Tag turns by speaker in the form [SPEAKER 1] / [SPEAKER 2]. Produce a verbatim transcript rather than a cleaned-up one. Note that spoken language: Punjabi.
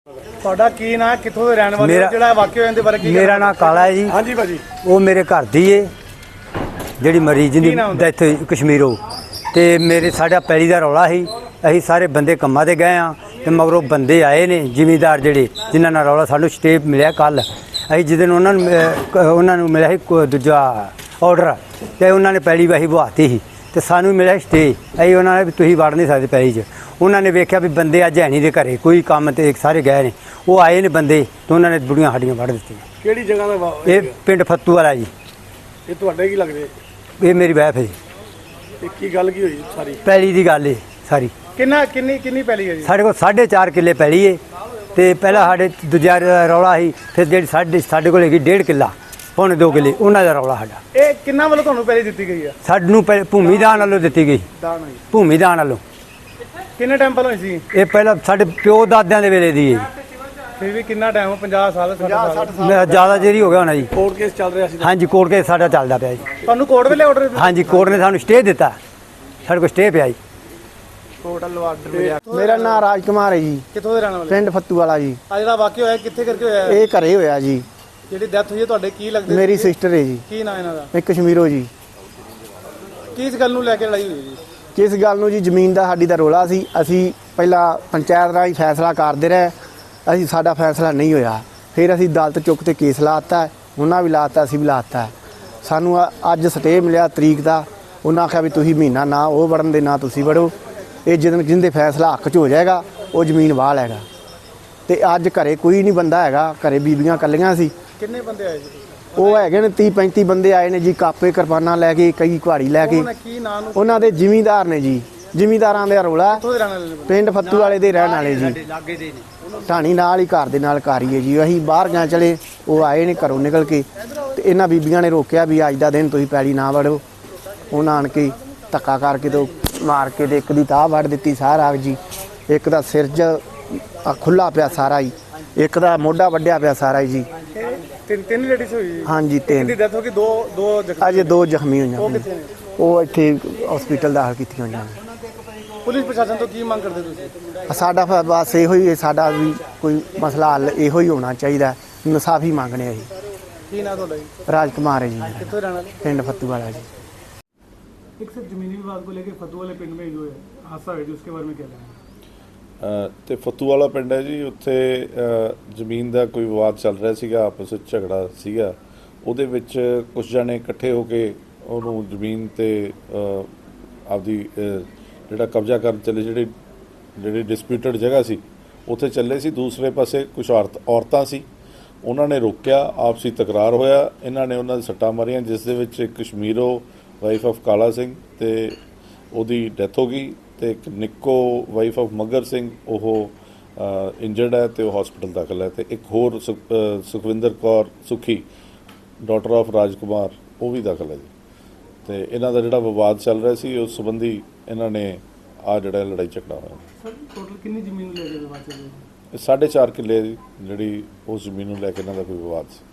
[SPEAKER 1] ਤੁਹਾਡਾ ਕੀ ਨਾਂ, ਕਿੱਥੋਂ ਦੇ ਰਹਿਣ ਵਾਲੇ ਹੋ, ਜਿਹੜਾ ਵਾਕਿਆ ਹੋਇਆ ਇਹਦੇ ਬਾਰੇ ਕੀ?
[SPEAKER 2] ਮੇਰਾ ਨਾਂ ਕਾਲਾ ਹੈ ਜੀ।
[SPEAKER 1] ਹਾਂਜੀ ਭਾਜੀ।
[SPEAKER 2] ਉਹ ਮੇਰੇ ਘਰ ਦੀ ਏ ਜਿਹੜੀ ਮਰੀਜ਼ ਦੀ ਡੈਥ ਹੋਈ ਕਸ਼ਮੀਰੋਂ। ਤੇ ਮੇਰੇ ਸਾਡਾ ਪੈਲੀ ਦਾ ਰੌਲਾ ਸੀ। ਅਸੀਂ ਸਾਰੇ ਬੰਦੇ ਕੰਮਾਂ ਤੇ ਗਏ ਆ ਤੇ ਮਗਰੋਂ ਬੰਦੇ ਆਏ ਨੇ ਜ਼ਿਮੀਂਦਾਰ ਜਿਹੜੇ ਜਿਨ੍ਹਾਂ ਨਾਲ ਰੌਲਾ ਸਾਨੂੰ ਸਟੇ ਮਿਲਿਆ ਕੱਲ। ਅਸੀਂ ਜਿਹਦੇ ਉਹਨਾਂ ਨੂੰ ਉਹਨਾਂ ਨੂੰ ਮਿਲਿਆ ਸੀ ਦੂਜਾ ਆਰਡਰ ਤੇ ਉਹਨਾਂ ਨੇ ਪੈਲੀ ਵਾਹੀ ਬਹਾਤੀ ਸੀ ਤੇ ਸਾਨੂੰ ਮਿਲਿਆ ਸਟੇ। ਅਸੀਂ ਉਹਨਾਂ ਨੇ ਵੀ ਤੁਸੀਂ ਵੜ ਨਹੀਂ ਸਕਦੇ ਪੈਲੀ 'ਚ। ਉਹਨਾਂ ਨੇ ਵੇਖਿਆ ਵੀ ਬੰਦੇ ਅੱਜ ਹੈ ਨਹੀਂ ਦੇ ਘਰੇ, ਕੋਈ ਕੰਮ ਤੇ ਸਾਰੇ ਗਏ ਨੇ। ਉਹ ਆਏ ਨੇ ਬੰਦੇ ਤੇ ਉਹਨਾਂ ਨੇ ਬੁੜੀਆਂ ਸਾਡੀਆਂ ਵੜ ਦਿੱਤੀਆਂ।
[SPEAKER 1] ਕਿਹੜੀ ਜਗ੍ਹਾ ਦਾ?
[SPEAKER 2] ਇਹ ਪਿੰਡ ਫੱਤੂ ਵਾਲਾ ਜੀ।
[SPEAKER 1] ਇਹ ਤੁਹਾਡੇ ਕੀ ਲੱਗਦੇ?
[SPEAKER 2] ਇਹ ਮੇਰੀ ਵਾਈਫ ਹੈ ਜੀ।
[SPEAKER 1] ਇਹ ਕੀ ਗੱਲ ਕੀ ਹੋਈ ਸਾਰੀ?
[SPEAKER 2] ਪੈਲੀ ਦੀ ਗੱਲ ਏ ਸਾਰੀ।
[SPEAKER 1] ਕਿੰਨਾ ਕਿੰਨੀ ਕਿੰਨੀ ਪੈਲੀ ਹੈ ਜੀ?
[SPEAKER 2] ਸਾਡੇ ਕੋਲ ਸਾਢੇ ਚਾਰ ਕਿੱਲੇ ਪੈਲੀ ਏ ਤੇ ਪਹਿਲਾਂ ਸਾਡੇ ਦੂਜਾ ਰੌਲਾ ਸੀ। ਫਿਰ ਜਿਹੜੀ ਸਾਡੇ ਸਾਡੇ ਕੋਲ ਹੈਗੀ ਡੇਢ ਕਿੱਲਾ ਪੌਣੇ ਦੋ ਕਿੱਲੇ ਉਹਨਾਂ ਦਾ ਰੌਲਾ ਸਾਡਾ।
[SPEAKER 1] ਇਹ ਕਿੰਨਾ ਵੱਲੋਂ ਤੁਹਾਨੂੰ ਪੈਲੀ ਦਿੱਤੀ ਗਈ ਆ?
[SPEAKER 2] ਸਾਨੂੰ ਪਹਿ ਭੂਮੀ ਦਾਨ ਵੱਲੋਂ ਦਿੱਤੀ ਗਈ।
[SPEAKER 1] ਦਾਨ ਹੋਈ?
[SPEAKER 2] ਭੂਮੀ ਦਾਨ ਵੱਲੋਂ।
[SPEAKER 1] ਕਿੰਨੇ ਟਾਈਮ ਪਹਿਲਾਂ ਹੋਈ ਸੀ
[SPEAKER 2] ਇਹ? ਪਹਿਲਾਂ ਸਾਡੇ ਪਿਓ ਦਾਦਿਆਂ ਦੇ ਵੇਲੇ ਦੀ ਹੈ।
[SPEAKER 1] ਫਿਰ ਵੀ ਕਿੰਨਾ ਟਾਈਮ? ਪੰਜਾਹ ਸਾਲ ਸੱਠ ਸਾਲ?
[SPEAKER 2] ਜ਼ਿਆਦਾ ਚਿਰ ਹੋ ਗਿਆ ਹੋਣਾ ਜੀ।
[SPEAKER 1] ਕੋਰਟ ਕੇਸ ਚੱਲ ਰਿਹਾ ਸੀ?
[SPEAKER 2] ਹਾਂਜੀ, ਕੋਰਟ ਕੇਸ ਸਾਡਾ ਚੱਲਦਾ ਪਿਆ ਜੀ।
[SPEAKER 1] ਤੁਹਾਨੂੰ ਕੋਰਟ ਵੇਲੇ ਆਰਡਰ?
[SPEAKER 2] ਹਾਂਜੀ, ਕੋਰਟ ਨੇ ਸਾਨੂੰ ਸਟੇ ਦਿੱਤਾ। ਸਾਡੇ ਕੋਲ ਸਟੇ ਪਿਆ ਜੀ।
[SPEAKER 1] ਟੋਟਲ ਆਰਡਰ ਮਿਲਿਆ।
[SPEAKER 3] ਮੇਰਾ ਨਾਮ ਰਾਜ ਕੁਮਾਰ ਹੈ ਜੀ।
[SPEAKER 1] ਕਿੱਥੋਂ ਦੇ ਰਹਿਣ ਵਾਲੇ?
[SPEAKER 3] ਪਿੰਡ ਫੱਤੂ ਵਾਲਾ ਜੀ।
[SPEAKER 1] ਆ ਜਿਹੜਾ ਵਾਕਿਆ ਹੋਇਆ ਕਿੱਥੇ ਕਰਕੇ ਹੋਇਆ?
[SPEAKER 3] ਇਹ ਘਰੇ ਹੋਇਆ ਜੀ।
[SPEAKER 1] ਜਿਹੜੀ ਡੈਥ ਹੋਈ ਹੈ ਤੁਹਾਡੇ ਕੀ ਲੱਗਦੇ?
[SPEAKER 3] ਮੇਰੀ ਸਿਸਟਰ ਹੈ ਜੀ।
[SPEAKER 1] ਕੀ ਨਾਂ ਇਹਨਾਂ ਦਾ?
[SPEAKER 3] ਇਹ ਕਸ਼ਮੀਰੋਂ ਜੀ।
[SPEAKER 1] ਕਿਸ ਗੱਲ ਨੂੰ ਲੈ ਕੇ ਲੜਾਈ ਹੋਈ ਜੀ?
[SPEAKER 3] ਕਿਸ ਗੱਲ ਨੂੰ ਜੀ? ਜ਼ਮੀਨ ਦਾ ਸਾਡੀ ਦਾ ਰੋਲਾ ਸੀ। ਅਸੀਂ ਪਹਿਲਾਂ ਪੰਚਾਇਤ ਰਾਹੀਂ ਫੈਸਲਾ ਕਰਦੇ ਰਹੇ। ਅਸੀਂ ਸਾਡਾ ਫੈਸਲਾ ਨਹੀਂ ਹੋਇਆ। ਫਿਰ ਅਸੀਂ ਅਦਾਲਤ ਚੁੱਕ ਤੇ ਕੇਸ ਲਾਤਾ। ਉਹਨਾਂ ਵੀ ਲਾਤਾ, ਅਸੀਂ ਵੀ ਲਾਤਾ। ਸਾਨੂੰ ਅੱਜ ਸਟੇ ਮਿਲਿਆ ਤਰੀਕ ਦਾ। ਉਹਨਾਂ ਆਖਿਆ ਵੀ ਤੁਸੀਂ ਮਹੀਨਾ ਨਾ ਉਹ ਵੜਨ ਦੇ ਨਾ ਤੁਸੀਂ ਵੜੋ। ਇਹ ਜਦੋਂ ਜਿਹਦੇ ਫੈਸਲਾ ਹੱਕ 'ਚ ਹੋ ਜਾਏਗਾ ਉਹ ਜ਼ਮੀਨ ਵਾਹ ਲੈਗਾ। ਤੇ ਅੱਜ ਘਰੇ ਕੋਈ ਨਹੀਂ ਬੰਦਾ ਹੈਗਾ। ਘਰੇ ਬੀਬੀਆਂ ਇਕੱਲੀਆਂ ਸੀ।
[SPEAKER 1] ਕਿੰਨੇ ਬੰਦੇ ਆਏ ਜੀ?
[SPEAKER 3] ਉਹ ਹੈਗੇ ਨੇ ਤੀਹ ਪੈਂਤੀ ਬੰਦੇ ਆਏ ਨੇ ਜੀ। ਕਾਪੇ ਕਿਰਪਾਨਾਂ ਲੈ ਕੇ, ਕਈ ਕੁਹਾੜੀ ਲੈ ਕੇ।
[SPEAKER 1] ਕੀ ਨਾਂ ਨੂੰ?
[SPEAKER 3] ਉਹਨਾਂ ਦੇ ਜ਼ਿਮੀਂਦਾਰ ਨੇ ਜੀ। ਜ਼ਿਮੀਂਦਾਰਾਂ ਦਾ ਰੌਲਾ।
[SPEAKER 1] ਕਿੱਥੋਂ ਦੇ ਰਹਿਣ ਵਾਲੇ ਨੇ?
[SPEAKER 3] ਪਿੰਡ ਫੱਤੂ ਵਾਲੇ ਦੇ ਰਹਿਣ ਵਾਲੇ ਜੀ। ਢਾਣੀ ਨਾਲ ਹੀ ਘਰ ਦੇ ਨਾਲ ਕਾਰੀਏ ਜੀ। ਅਸੀਂ ਬਾਹਰ ਗਏ ਚਲੇ, ਉਹ ਆਏ ਨੇ ਘਰੋਂ ਨਿਕਲ ਕੇ ਤੇ ਇਹਨਾਂ ਬੀਬੀਆਂ ਨੇ ਰੋਕਿਆ ਵੀ ਅੱਜ ਦਾ ਦਿਨ ਤੁਸੀਂ ਪੈਲੀ ਨਾ ਵੜੋ। ਉਹਨਾਂ ਆਣ ਕੇ ਧੱਕਾ ਕਰਕੇ ਤੇ ਮਾਰ ਕੇ ਤੇ ਇੱਕ ਦੀ ਤਾਹ ਵੱਢ ਦਿੱਤੀ ਸਾਰਾ ਜੀ। ਇੱਕ ਦਾ ਸਿਰ 'ਚ ਖੁੱਲਾ ਪਿਆ ਸਾਰਾ ਹੀ। ਇੱਕ ਦਾ ਮੋਢਾ ਵੱਢਿਆ ਪਿਆ ਸਾਰਾ ਹੀ ਜੀ।
[SPEAKER 1] ਤਿੰਨ ਤਿੰਨ ਲੇਡੀਜ਼ ਹੋਈ ਜੀ?
[SPEAKER 3] ਹਾਂਜੀ, ਤਿੰਨ।
[SPEAKER 1] ਦੀ ਡੈਥ ਹੋ ਗਈ। ਦੋ ਦੋ ਜ਼ਖਮੀ?
[SPEAKER 3] ਅਜੇ ਦੋ ਜ਼ਖਮੀ ਹੋਈਆਂ।
[SPEAKER 1] ਉਹ ਕਿੱਥੇ ਨੇ?
[SPEAKER 3] ਉਹ ਇੱਥੇ ਹਸਪੀਟਲ ਦਾਖਲ ਕੀਤੀਆਂ ਹੋਈਆਂ ਨੇ।
[SPEAKER 1] ਪੁਲਿਸ ਪ੍ਰਸ਼ਾਸਨ ਤੋਂ ਕੀ ਮੰਗ ਕਰਦੇ ਤੁਸੀਂ?
[SPEAKER 3] ਸਾਡਾ ਫਿਰ ਬਸ ਇਹੋ ਹੀ, ਸਾਡਾ ਵੀ ਕੋਈ ਮਸਲਾ ਹੱਲ ਇਹੋ ਹੀ ਹੋਣਾ ਚਾਹੀਦਾ। ਇਨਸਾਫੀ ਮੰਗਣੇ ਆ ਜੀ।
[SPEAKER 1] ਕੀ ਨਾਂ ਤੁਹਾਡਾ ਜੀ?
[SPEAKER 3] ਰਾਜ ਕੁਮਾਰ ਹੈ ਜੀ। ਮੇਰਾ
[SPEAKER 1] ਕਿੱਥੋਂ ਰਹਿਣ ਵਾਲੇ?
[SPEAKER 3] ਪਿੰਡ ਫੱਤੂ वाला जी।
[SPEAKER 1] एक सिर्फ जमीनी विवाद को लेकर फतू वाले पिंड में जो है हादसा हुआ जी, उसके बारे में क्या कहना है?
[SPEAKER 4] ਤੇ ਫੱਤੂ ਵਾਲਾ ਪਿੰਡ ਹੈ ਜੀ। ਉੱਥੇ ਜ਼ਮੀਨ ਦਾ ਕੋਈ ਵਿਵਾਦ ਚੱਲ ਰਿਹਾ ਸੀਗਾ, ਆਪਸ ਵਿੱਚ ਝਗੜਾ ਸੀਗਾ। ਉਹਦੇ ਵਿੱਚ ਕੁਝ ਜਣੇ ਇਕੱਠੇ ਹੋ ਕੇ ਉਹਨੂੰ ਜ਼ਮੀਨ ਤੇ ਆਪਦੀ ਜਿਹੜਾ ਕਬਜ਼ਾ ਕਰਨ ਚੱਲੇ, ਜਿਹੜੇ ਜਿਹੜੀ ਡਿਸਪਿਊਟਡ ਜਗ੍ਹਾ ਸੀ ਉੱਥੇ ਚੱਲੇ ਸੀ। ਦੂਸਰੇ ਪਾਸੇ ਕੁਝ ਔਰਤ ਔਰਤਾਂ ਸੀ, ਉਹਨਾਂ ਨੇ ਰੋਕਿਆ। ਆਪਸੀ ਤਕਰਾਰ ਹੋਇਆ। ਇਹਨਾਂ ਨੇ ਉਹਨਾਂ ਦੇ ਸੱਟਾਂ ਮਾਰੀਆਂ, ਜਿਸ ਦੇ ਵਿੱਚ ਇੱਕ ਕਸ਼ਮੀਰੋਂ ਵਾਈਫ ਆਫ ਕਾਲਾ ਸਿੰਘ ਤੇ ਉਹਦੀ ਡੈਥ ਹੋ ਗਈ ਤੇ ਇੱਕ ਨਿੱਕੋ ਵਾਈਫ ਆਫ ਮੱਗਰ ਸਿੰਘ ਉਹ ਇੰਜਰਡ ਹੈ ਤੇ ਉਹ ਹਸਪੀਟਲ ਦਾਖਲ ਹੈ। ਤੇ ਇੱਕ ਹੋਰ ਸੁਖਵਿੰਦਰ ਕੌਰ ਸੁਖੀ ਡਾਟਰ ਆਫ ਰਾਜ ਕੁਮਾਰ ਉਹ ਵੀ ਦਾਖਲ ਹੈ ਜੀ। ਤੇ ਇਹਨਾਂ ਦਾ ਜਿਹੜਾ ਵਿਵਾਦ ਚੱਲ ਰਿਹਾ ਸੀ ਉਸ ਸੰਬੰਧੀ ਇਹਨਾਂ ਨੇ ਆ ਜਿਹੜਾ ਲੜਾਈ ਝਗੜਾ ਹੋਇਆ।
[SPEAKER 1] ਸਰ ਟੋਟਲ ਕਿੰਨੀ ਜ਼ਮੀਨ ਨੂੰ ਲੈ ਕੇ ਵਿਵਾਦ ਚੱਲ ਰਿਹਾ?
[SPEAKER 4] ਸਾਢੇ ਚਾਰ ਕਿੱਲੇ ਜਿਹੜੀ ਉਸ ਜ਼ਮੀਨ ਨੂੰ ਲੈ ਕੇ ਇਹਨਾਂ ਦਾ ਕੋਈ ਵਿਵਾਦ ਸੀ।